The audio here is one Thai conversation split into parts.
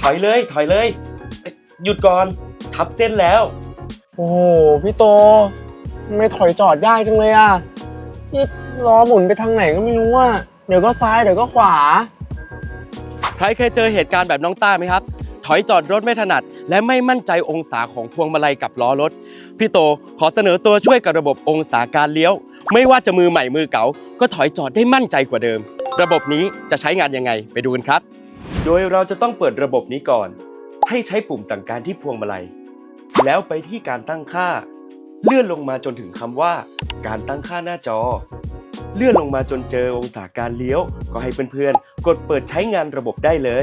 อยเลยถอยเลยหยุดก่อนทับเส้นแล้วโอ้โหพี่โตไม่ถอยจอดยากจังเลยอ่ะนี่ล้อหมุนไปทางไหนก็ไม่รู้อ่ะเดี๋ยวก็ซ้ายเดี๋ยวก็ขวาใครเคยเจอเหตุการณ์แบบน้องต้าไหมครับถอยจอดรถไม่ถนัดและไม่มั่นใจองศาของพวงมาลัยกับล้อรถพี่โตขอเสนอตัวช่วยกับระบบองศาการเลี้ยวไม่ว่าจะมือใหม่มือเก่าก็ถอยจอดได้มั่นใจกว่าเดิมระบบนี้จะใช้งานยังไงไปดูกันครับโดยเราจะต้องเปิดระบบนี้ก่อนให้ใช้ปุ่มสั่งการที่พวงมาลัยแล้วไปที่การตั้งค่าเลื่อนลงมาจนถึงคำว่าการตั้งค่าหน้าจอเลื่อนลงมาจนเจอองศาการเลี้ยวก็ให้เพื่อนๆกดเปิดใช้งานระบบได้เลย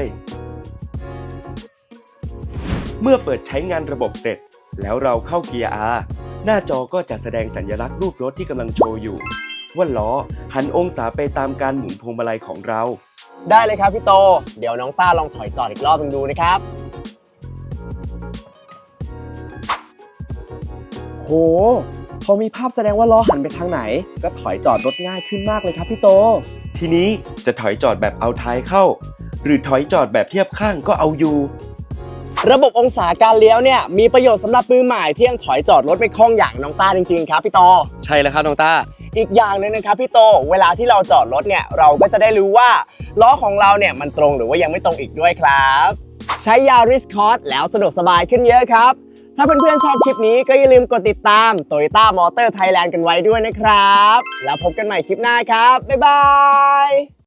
เมื่อเปิดใช้งานระบบเสร็จแล้วเราเข้าเกียร์ R หน้าจอก็จะแสดงสัญลักษณ์รูปรถที่กำลังโชว์อยู่ว่าล้อหันองศาไปตามการหมุนพวงมาลัยของเราได้เลยครับพี่โตเดี๋ยวน้องต้าลองถอยจอดอีกรอบนึงดูนะครับโหพอมีภาพแสดงว่าล้อหันไปทางไหนก็ถอยจอดรถง่ายขึ้นมากเลยครับพี่โตทีนี้จะถอยจอดแบบเอาท้ายเข้าหรือถอยจอดแบบเทียบข้างก็เอาอยู่ระบบองศาการเลี้ยวเนี่ยมีประโยชน์สำหรับมือใหม่ที่ยังถอยจอดรถไม่คล่องอย่างน้องต้าจริงๆครับพี่โตใช่แล้วครับน้องต้าอีกอย่างหนึ่งนะครับพี่โตเวลาที่เราจอดรถเนี่ยเราก็จะได้รู้ว่าล้อของเราเนี่ยมันตรงหรือว่ายังไม่ตรงอีกด้วยครับใช้ Yaris Cross แล้วสะดวกสบายขึ้นเยอะครับถ้าเพื่อนๆชอบคลิปนี้ก็อย่าลืมกดติดตาม Toyota Motor Thailand กันไว้ด้วยนะครับแล้วพบกันใหม่คลิปหน้าครับบ๊ายบาย